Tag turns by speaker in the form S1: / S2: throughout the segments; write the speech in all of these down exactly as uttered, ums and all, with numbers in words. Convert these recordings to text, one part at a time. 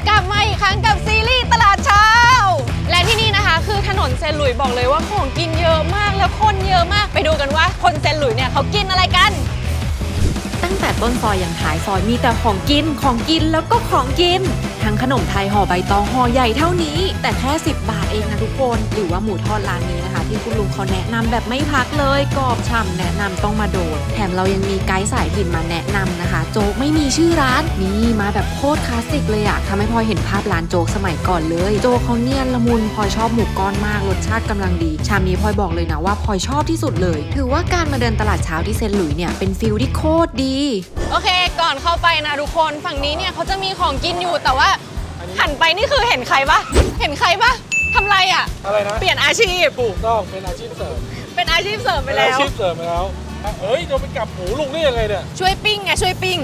S1: กลับมาอีกครั้งกับซีรีส์ตลาดเช้าและที่นี่นะคะคือถนนเซนต์หลุยส์บอกเลยว่าของกินเยอะมากแล้วคนเยอะมากไปดูกันว่าคนเซนต์หลุยส์เนี่ยเขากินอะไรกันตั้งแต่ต้นซอยอย่างท้ายซอยมีแต่ของกินของกินแล้วก็ของกินทั้งขนมไทยห่อใบตองห่อใหญ่เท่านี้แต่แค่สิบบาทเองนะทุกคนหรือว่าหมูทอดร้านนี้นะคะที่คุณลุงเขาแนะนำแบบไม่พักเลยกรอบฉ่ำแนะนำต้องมาโดนแถมเรายังมีไกด์สายถิ่นมาแนะนำนะคะโจ๊กไม่มีชื่อร้านนี่มาแบบโคตรคลาสสิกเลยอะทำให้พลอยเห็นภาพร้านโจ๊กสมัยก่อนเลยโจ๊กเขาเนียนละมุนพลอยชอบหมูก้อนมากรสชาติกำลังดีชามนี้พลอยบอกเลยนะว่าพลอยชอบที่สุดเลยถือว่าการมาเดินตลาดเช้าที่เซนต์หลุยส์เนี่ยเป็นฟิลที่โคตรดีโอเคก่อนเข้าไปนะทุกคนฝั่งนี้เนี่ยเขาจะมีของกินอยู่แต่ว่าหันไปนี่คือเห็นใครปะเห็นใครปะทำไรอ่ะอะไรนะเปลี่ยนอาชีพ
S2: ถูกต้องเป็นอาชีพเสริม
S1: เป็นอาชีพเสริมไปแล้ว
S2: อาชีพเสริมไปแล้วเอ้ยเราไปกลับหมูลุงได้ยังไงเนี่ย
S1: ช่วยปิ้งไงช่วยปิ้ง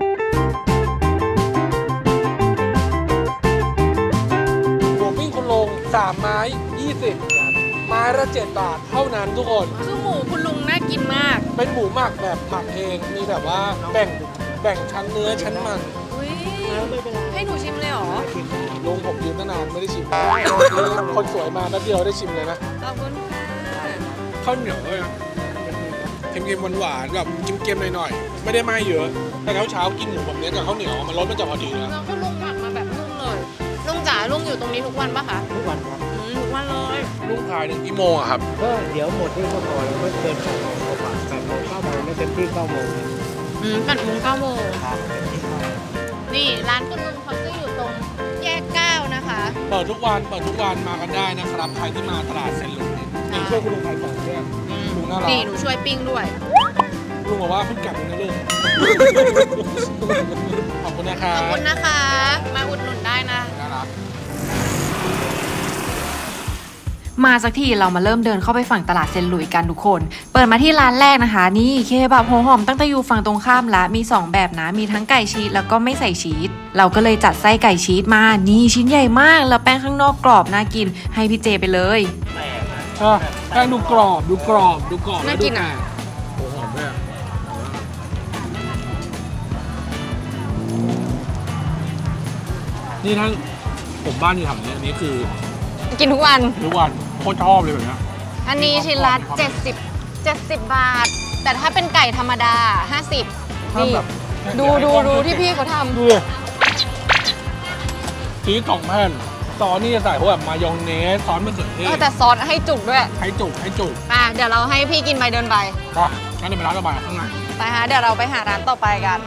S2: หมูปิ้งคุณลุงสามไม้ยี่สิบไม้ละเจ็ดบาทเท่านั้นทุกคน
S1: คือหมูคุณลุงน่ากินมาก
S2: เป็นหมูหมักแบบหมักเองมีแบบว่าแบ่งแบ่งชั้นเนื้อชั้นมัน
S1: ให้หนูชิมเลยเหรอ
S2: ลุงผมยืนตั้งนานไม่ได้ชิมคนสวยมาแป๊บเดียวได้ชิมเลยนะ
S1: ขอบคุณค่ะ
S2: ข้าวเหนียวเลยเค็มๆหวานๆแบบเค็มๆหน่อยๆไม่ได้ไหม้เยอะแต่เช้าเช้ากินหมูแบบนี้กับข้าวเหนียวมันรสมันจะพอดีนะ
S1: แล้วก็ลุงหมักมาแบบนุ่มเลยลุงจ๋าลุงอยู่ตรงนี้ทุกวันปะคะ
S3: ทุกวันครับ
S1: ทุกวันเลย
S2: ลุงขายถึงกี่โมงอะครับ
S3: ก็เดี๋ยวหมดที่ก็พอแล้วก็เกินแปดโมงกว่าแปดโมงเก้าโมงไม่เต็มที่เก้าโมง
S1: อืมแปดโมงเก้าโมงนี่ร้านคุณลุงเขาจะอยู่ตรงแยกเก้านะคะ
S2: เปิดทุกวันเปิดทุกวันมากันได้นะครับใครที่มาตลาดเซนต์หลุยส์นี่ช่วยคุณลุงขายของด้วยลุงน่ารัก
S1: นี่หนูช่วยปิ้งด้วย
S2: ลุงบอกว่าเพิ่งกลับเองนะลุงขอบคุณนะคะ
S1: ขอบคุณนะคะมาอุดหนุนได้นะ
S2: น่ารัก
S4: มาสักทีเรามาเริ่มเดินเข้าไปฝั่งตลาดเซนต์หลุยส์กันทุกคนเปิดมาที่ร้านแรกนะคะนี่เคบับหัวหอมตั้งแต่อยู่ฝั่งตรงข้ามละมีสองแบบนะมีทั้งไก่ชีสแล้วก็ไม่ใส่ชีสเราก็เลยจัดไส้ไก่ชีสมานี่ชิ้นใหญ่มากแล้วแป้งข้างนอกกรอบน่ากินให้พี่เจไปเลย
S2: แป้งดูกรอบดูกรอบดูกรอบ
S1: น่ากินอ่ะ
S2: หัวหอมด้วยนี่ทั้งผมบ้านอยู่แถวนี้อันนี้คือ
S1: กินทุกวัน
S2: ทุกวันโคตรชอบเลยแบบนี้
S1: อันนี้ชิ้นละเจ็ดสิบ เจ็ดสิบบาทแต่ถ้าเป็นไก่ธรรมดาห้าสิบนี่ดูดูดูที่พี่เขาทำ
S2: ดูเลยชีสสองแผ่นซอสนี่จะใส่พวกแบบมายองเนสซอสมะเขือเทศ
S1: แต่ซอสให้จุกด้วย
S2: ให้จุกให้จุก
S1: อ่ะเดี๋ยวเราให้พี่กินไปเดินไป
S2: ก็งั้นเดี๋ยวไปร้านต่อไปข้างใน
S1: ไปฮะเดี๋ยวเราไปหาร้านต่อไปกัน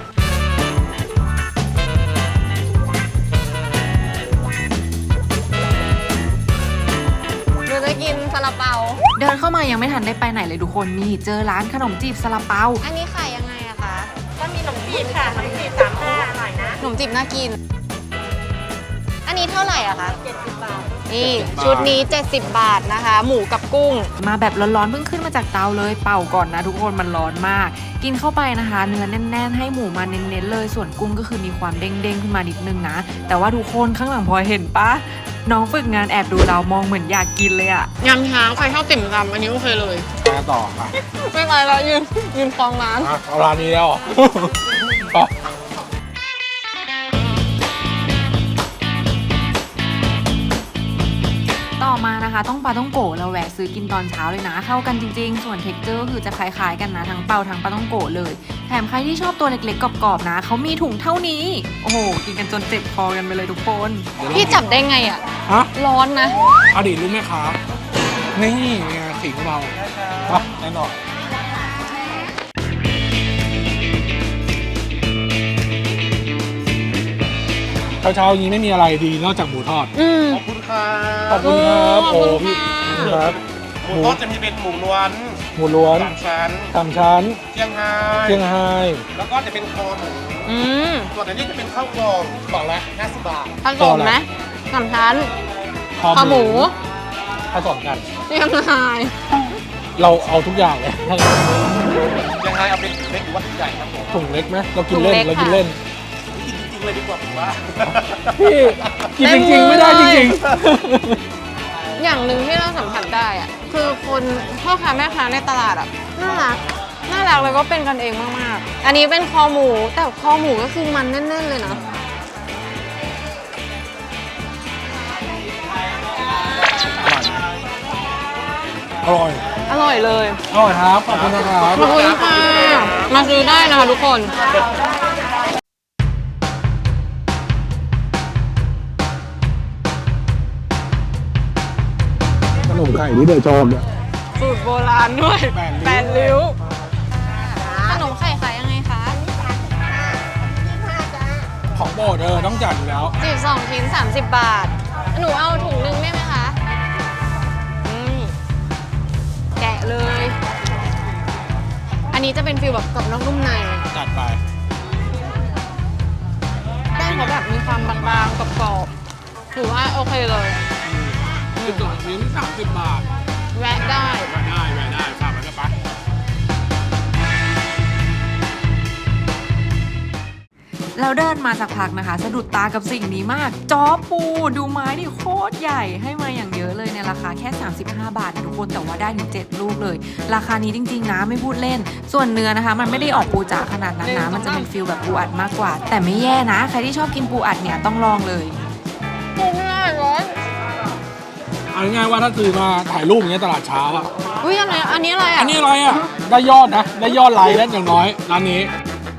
S1: จะกินซาลาเปา
S4: เดินเข้ามายังไม่ทันได้ไปไหนเลยทุกคนนี่เจอร้านขนมจีบซาลาเปา
S1: อันนี้ขายยังไงอะคะ
S5: ก็มีขนมจีบค่ะขนมจีบสามห้าอร่อยนะ
S1: ขนมจีบน่ากินอันนี้เท่าไหร่อะคะ
S5: เจ็ดสิบบาท
S1: นี่ชุดนี้เจ็ดสิบบาทนะคะหมูกับกุ้ง
S4: มาแบบร้อนๆเพิ่งขึ้นมาจากเตาเลยเป่าก่อนนะทุกคนมันร้อนมากกินเข้าไปนะคะเนื้อแน่นๆให้หมูมาเน้นๆเลยส่วนกุ้งก็คือมีความเด้งๆขึ้นมานิดนึงนะแต่ว่าทุกคนข้างหลังพลอยเห็นปะน้องฝึกงานแอบดูเรามองเหมือนอยากกินเลยอะ
S1: ยำช้างใครชอบติ่มซำอันนี้โอเคเลย
S2: มาต่อค่ะ
S1: ไม่ไปแล้วยืนยืนคลองร้าน
S2: เอาร้านนี้แล้วต่อ
S4: ต่อมานะคะต้องปลาต้องโกะเราแวะซื้อกินตอนเช้าเลยนะเข้ากันจริงๆส่วนเท็กเจอร์ก็คือจะคล้ายๆกันนะทั้งเปาทั้งปลาต้องโกะเลยแถมใครที่ชอบตัวเล็กๆกรอบๆนะเขามีถุงเท่านี้โอ้โหกินกันจนเจ็บคอกันไปเลยทุกคน
S1: พี่จับได้ไงอ่ะ
S2: ฮะ
S1: ร้อนนะ
S2: อดีตรู้ไหมคะนี่ไงขิงเราแน่นอนเช้าๆนี้ไม่มีอะไรดีนอกจากหมูทอด
S5: ขอบคุณครับ
S2: ขอบคุณครับโอ้พี่ครับ
S5: หมูทอดจะมีเป็นหมูล้วน
S2: หมูล้วน
S5: สามชั้น
S2: สามชั้น
S5: เชียงไฮ้
S2: เชียงไฮ้
S5: แล้วก็จะเป็นคอหมู
S1: อืม
S5: ส่วนอันนี้จะเป็นข้าวกล่องกล่องละห้าสิบบาท
S1: ผสมไหมสามชั้นคอหมู
S2: ผสมกัน
S1: เชียงไฮ้
S2: เราเอาทุกอย่างเลย
S5: เชียงไฮ้เอาเป็นถุงเล็กหรือว่าถุงใหญ่ครับผม
S2: ถุงเล็กไหมเรากินเล่นเรากินเล่น
S5: เลยดีกว่าผมว่า
S2: พี่กินจริงๆไม่ได้จริง
S1: ๆอย่างหนึ่งที่เราสัมผัสได้อะคือคนพ่อค้าแม่ค้าในตลาดอะน่ารักน่ารักแล้วก็เป็นกันเองมากๆอันนี้เป็นคอหมูแต่คอหมูก็คือมันแน่นๆเลยนะ
S2: อร่อย
S1: อร่อยเลย
S2: อร่อยครับ ขอบคุณนะครับ
S1: ขอบคุณค่ะ มาซื้อได้นะคะทุกคน
S2: ขนมไข่ที่เดยชอบเนี่ย
S1: สูตรโบราณด้วย
S2: แปดริ้ว
S1: แปดริ้ว ขนมไข่ขายยังไงคะ
S2: ของโปรดเออต้องจัดอยู่แล้ว
S1: สิบสองชิ้น สามสิบบาท หนูเอาถุงหนึงได้ไหมคะอืมแกะเลย อันนี้จะเป็นฟิลแบบกรอบนอกนุ่มใน
S2: จัดไป
S1: แป้งเขาแบบมีความบางๆกรอบๆถือว่าโอเคเลย
S2: สิบสองชิ้นสามสิบบาท
S1: แวะได้
S2: แวะได้แวะได้ฝากมันก็ไป
S4: แล้วเดินมาสักพักนะคะ สะดุดตากับสิ่งนี้มากจอปูดูไม้ดิโคตรใหญ่ให้มาอย่างเยอะเลยในราคาแค่สามสิบห้าบาทนะทุกคนแต่ว่าได้ถึงเจ็ดลูกเลย ราคานี้จริงๆนะไม่พูดเล่น ส่วนเนื้อนะคะ มันไม่ได้ออกปูจ๋าขนาดนั้นนะมันจะเป็นฟิลแบบปูอัดมากกว่า แต่ไม่แย่นะ ใครที่ชอบกินปูอัดเนี่ยต้องลองเลย
S1: ปูไม่ได้ร้อน
S2: เอาง่ายๆว่าถ้าซื้อมาถ่ายรูปอย่างเงี้ยตลาดเช้าอ่ะ
S1: อุ้ยอันนี้อันนี้อะไรอ่ะ
S2: อันนี้อะไรอ่ะ ได้ยอดนะ ได้ยอดไลค์แล้วอย่างน้อยร้านนี้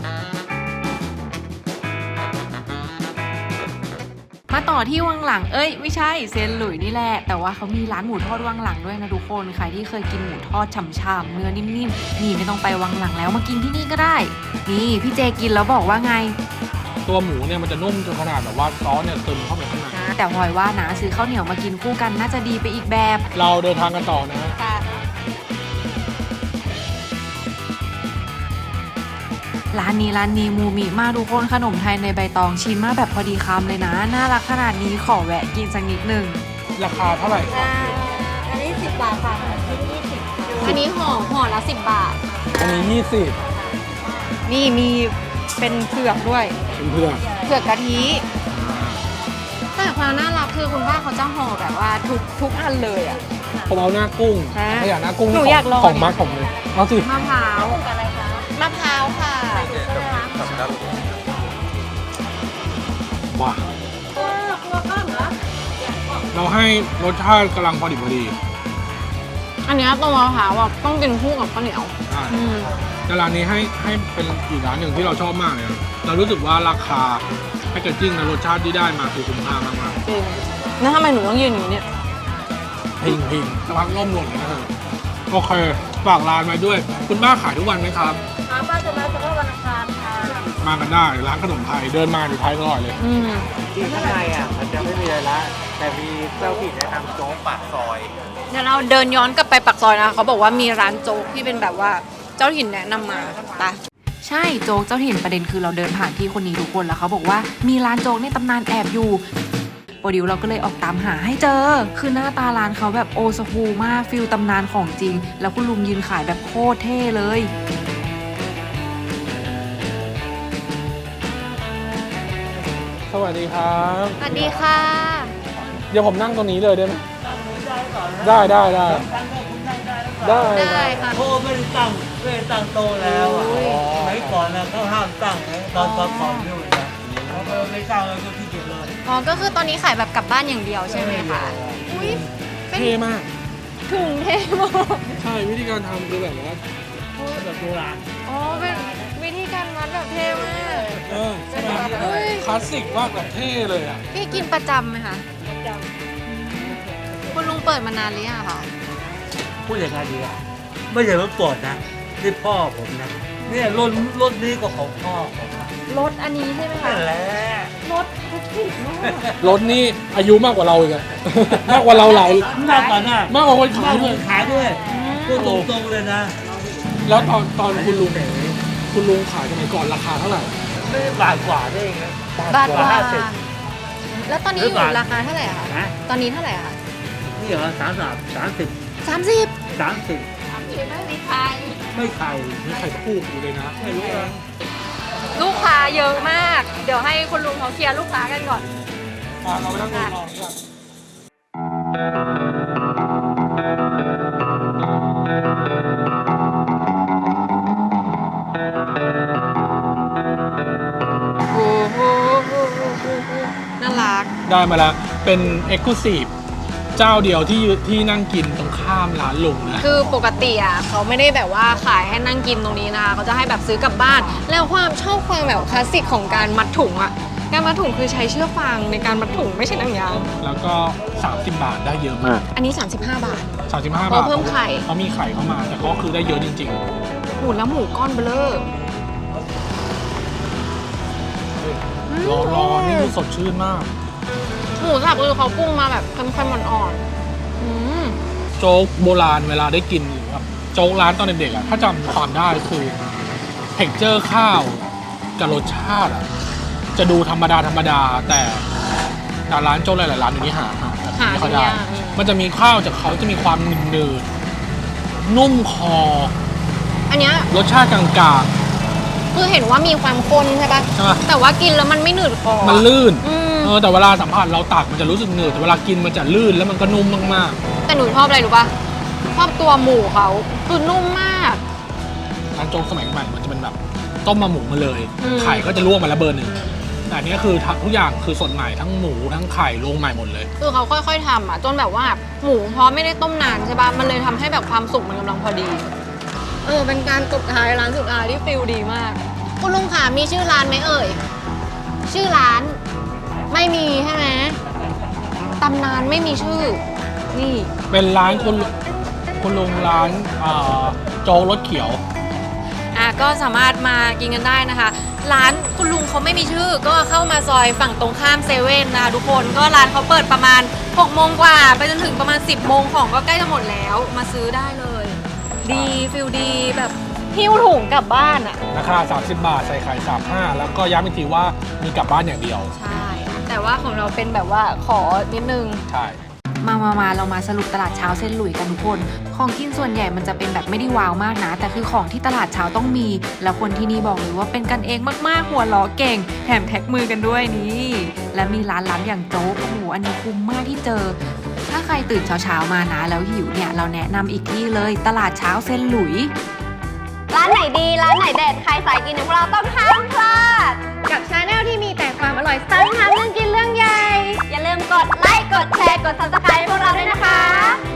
S4: มาต่อที่วังหลังเอ้ยไม่ใช่เซนหลุยนี่แหละแต่ว่าเขามีร้านหมูทอดวังหลังด้วยนะทุกคนใครที่เคยกินหมูทอดฉ่ำๆเนื้อนิ่มๆนี่ไม่ต้องไปวังหลังแล้วมากินที่นี่ก็ได้นี่พี่เจกินแล้วบอกว่าไง
S2: ตัวหมูเนี่ยมันจะนุ่มจนขนาดแบบว่าซอสเนี่ยซึมเข้าไปข้างใน
S4: แต่พลอยว่านะซื้อข้าวเหนียวมากินคู่กันน่าจะดีไปอีกแบบ
S2: เราเดินทางกันต่อนะฮะ
S1: ค่ะ
S4: ร้านนี้ร้านนี้มูมิมากทุกคนขนมไทยในใบตองชิ้นมาแบบพอดีคำเลยนะน่ารักขนาดนี้ขอแวะกินสักนิดหนึ่ง
S2: ราคาเท่าไหร่ครับ
S6: อันนี้สิบบาทค่ะอันนี้ยี่สิบ
S1: อันนี้ห่อห่อละสิบบาท
S2: อันนี้ยี่สิบ
S1: นี่มีเป็นเผือกด้วย
S2: เพื่อน
S1: เผือกกะทิแต่ความน่ารักคือคุณป้าเขาจะห่อแบบว่าทุกทุกอันเลยอ่ะ
S2: ๆผมเอาหน้ากุ้ง
S1: ฮะ
S2: ถ้าอยากหน้ากุ้ง
S1: หนูอยากลอง
S2: ของมาร์คผมเลยเอาสิ
S1: มะพร้าวมะพร้าวค่ะ
S2: ว้าเราให้รสชาติกำลังพอดีพอดี
S1: อันเนี้ยตัวมะพร้าวอ่ะต้องกินคู่กับข้าวเหนียว
S2: อ่า
S1: อืม
S2: แต่ร้านนี้ให้ให้เป็นอีกร้านหนึ่งที่เราชอบมากเลยนะเรารู้สึกว่าราคาแพคเกจจิ้งและรสชาติที่ได้มาคือคุ้มค่ามาก
S1: จริงแล้วทำไมหนูต้องยืนอย่างนี้เนี่ย
S2: ๆพิงพิงระวังล่มหล่นนะเธอโอเคฝากร้านไว้ด้วย คุณป้าขายทุกวันไหมครับ
S6: อาป้าจะมาเฉพาะวันอังคารค่ะ
S2: มากันได้ร้านขนมไทยเดินมาอยู่ท้ายตลอดเลย
S1: อืม
S3: ที่ข้างในอ่ะมันจะไม่มีอะไรละแต่มีเจ้าถิ่นแนะนำโจ๊กปากซอย
S1: เดี๋ยวเราเดินย้อนกลับไปปักซอยนะคะเขาบอกว่ามีร้านโจ๊กที่เป็นแบบว่าเจ้าถิ่นแนะนำมาไป
S4: ใช่โจ๊กเจ้าถิ่นประเด็นคือเราเดินผ่านที่คนนี้ทุกคนแล้วเขาบอกว่ามีร้านโจ๊กในตำนานแอบอยู่โปรดิวเราก็เลยออกตามหาให้เจอ คือหน้าตาร้านเขาแบบโอสฟูมากฟิลตำนานของจริง แล้วคุณลุงยืนขายแบบโคตรเท่เลย
S2: สวัสดีครับ
S1: สวัสดีค่ะ
S2: เดี๋ยวผมนั่งตรงนี้เลยได้ไหมได้ได้ได้ได้
S1: ได้ค่ะ
S7: โต๊ะไม่ได้ตั้งไม่ได้ตั้งโต๊ะแล้วอ่ะสมัยก่อนนะเขาห้ามตั้งไงตอนตอนก่อนอยู่นะเขาก็ไม่ตั้งเลยก็ที่เกียจเลย
S1: อ๋อก็คือตอนนี้ขายแบบกลับบ้านอย่างเดียวใช่ไหมคะอุ้ยเป็น
S2: เท่มาก
S1: ถุงเท่มาก
S2: ใช่วิธีการทำคือแบบว่า
S7: แบบโบราณ
S1: อ๋อเป็นวิธีการมัดแบบเท่มาก
S2: เออใช่ไหม
S1: อุ้ย
S2: คลาสสิกมากแบบเท่เลยอ่ะ
S1: พี่กินประจำไหมคะคุณลุงเปิดมานานหรือยังคะ
S7: พูดอย่างไรดีอ่ะไม่ใช่รถปวดนะนี่พ่อผมนะเนี่ยรถรถนี้ก็ของพ่อผมนะ
S1: รถอันนี้ใช่ไหมคะ
S7: นั่นแหละ
S1: รถทุกสิ่งมาก
S2: รถนี่อายุมากกว่าเราอีกอะ มากกว่าเราหลาย
S7: มากกว่าน่ะ
S2: มากกว่าคนขาย
S7: มากก
S2: ด้ว
S7: ว่าย ขายด้วยพูดตรงๆเลยนะ
S2: แล้วตอนตอนคุณลุงคุณลุงขายสมัยก่อนราคาเท่าไหร่
S7: ไม่ได้บาทกว่าได้เองนะ
S1: บาทกว่า
S7: ห้าสิบ
S1: แล้วตอนนี้อยู่ราคาเท่าไหร่อะคะ
S7: นะ
S1: ตอนนี้เท่าไหร่อะคะ
S7: นี่เหรอสามสามสามสิบ
S1: สามสิบ
S7: สามสิบ
S1: ไม่มีใคร
S7: ไม่ไข่
S2: นี่ไข่พูกอยู่เลยนะ
S7: ไม่รู้นะ
S1: ลูกค้าเยอะมาก เดี๋ยวให้คุณลุงเขาเคลียร์ลูกค้ากันก่อน
S2: มาเราไปนั่งดูลองดีกว่า
S1: โอ้โหน่ารัก
S2: ได้มาแล้วเป็น Exclusive เจ้าเดียวที่ยืที่นั่งกินตรงข้ามร้านลุงนะ
S1: คือปกติอ่ะเขาไม่ได้แบบว่าขายให้นั่งกินตรงนี้นะคะเขาจะให้แบบซื้อกลับบ้าน แล้วความชอบความแบบคลาสสิกของการมัดถุงอ่ะการมัดถุงคือใช้เชือกฟางในการมัดถุงไม่ใช่หนังยาง
S2: แล้วก็สามสิบบาทได้เยอะมาก
S1: อันนี้ สามสิบห้า บาท
S2: สามสิบห้า
S1: เพ
S2: บาท
S1: ราะเพิ่มไข่
S2: เขามีไข่เข้ามาแต่ก็คือได้เยอะจริง
S1: หมูแล้วหมูก้อนเบลอ
S2: ๆรอรอนี่คือสดชื่นมาก
S1: หมูสับคือเขาปรุงมาแบบเค็มๆอ่อนๆอืม
S2: โจ๊กโบราณเวลาได้กินหรือแบบโจ๊กร้านตอนเด็กๆอ่ะถ้าจำความได้คือเท็กเจอร์ข้าวกับรสชาติอ่ะจะดูธรรมดาธรรมดาแต่แต่ร้านโจ๊กหลายๆร้านอยู่นี้หาหาแบบ
S1: หา
S2: ไม่ค่อย
S1: ที่
S2: ได้
S1: ยากอืม
S2: มันจะมีข้าวจากเขาจะมีความหนืดๆนุ่มคอ
S1: อันเนี้ย
S2: รสชาติกลาง
S1: คือเห็นว่ามีความข้นใช่ปะ
S2: ๆใช่ไหม
S1: แต่ว่ากินแล้วมันไม่หนืดคอ
S2: มันลื่น
S1: อืม
S2: เออแต่เวลาสัมผัสเราตักมันจะรู้สึกหนืดแต่เวลากินมันจะลื่นแล้วมันก็นุ่มมาก
S1: แต่หนูชอบอะไรรู้ปะชอบตัวหมูเขาคือนุ่มมาก
S2: ๆร้านโจ๊กสมัยใหม่มันจะเป็นแบบต้มมาหมูมาเลย
S1: อืม
S2: ไข่ก็จะลวกมาแล้วเบอร์หนึ่งแต่อันนี้คือทุกอย่างคือสดใหม่ทั้งหมูทั้งไข่ลงใหม่หมดเลย
S1: คือเขาค่อยๆทำอ่ะจนแบบว่าหมูเพราะไม่ได้ต้มนานใช่ปะมันเลยทำให้แบบความสุกมันกำลังพอดี เออเป็นการตบท้ายร้านสุดท้ายที่ฟิลดีมาก คุณลุงขามีชื่อร้านไหมเอ่ย ชื่อร้านไม่มีใช่ไหมตำนานไม่มีชื่อ นี่
S2: เป็นร้านคุณคุณลุงร้านเอ่อโจ๊กรสเขียว
S1: อ่ะก็สามารถมากินกันได้นะคะ ร้านคุณลุงเขาไม่มีชื่อ ก็เข้ามาซอยฝั่งตรงข้ามเซเว่นนะคะทุกคนก็ร้านเขาเปิดประมาณหกโมงกว่าไปจนถึงประมาณสิบโมงของก็ใกล้จะหมดแล้วมาซื้อได้เลย ดีฟิลดีแบบหิ้วถุงกลับบ้านอ่ะ
S2: ราคาสามสิบบาทใส่ไข่สามสิบห้าแล้วก็ย้ำอีกทีว่ามีกลับบ้านอย่างเดียว
S1: ใช่ แต่ว่าของเราเป็นแบบว่าขอนิดนึง
S2: ใช่
S4: มามามาเรามาสรุปตลาดเช้าเส้นหลุยกันทุกคน ของกินส่วนใหญ่มันจะเป็นแบบไม่ได้ว้าวมากนะ แต่คือของที่ตลาดเช้าต้องมี แล้วคนที่นี่บอกเลยว่าเป็นกันเองมากๆ หัวล้อเก่ง แถมแท็กมือกันด้วยนี่ และมีร้านล้ำอย่างโจ๊กโอ้โหอันนี้คุ้มมากที่เจอ ถ้าใครตื่นเช้าๆมานะ แล้วหิวเนี่ยเราแนะนำอีกที่เลย ตลาดเช้าเส้นหลุย
S6: ร้านไหนดี ร้านไหนเด็ด ใครสายกินของเราต้องห้ามพลาด
S1: กับชาแนลที่มีแต่ความอร่อยสั้นทำเรื่องกินเรื่องใหญ่
S6: อย่าลืมกดไลค์ กดแชร์ กด ซับสไครบ์ พวกเราด้วยนะคะ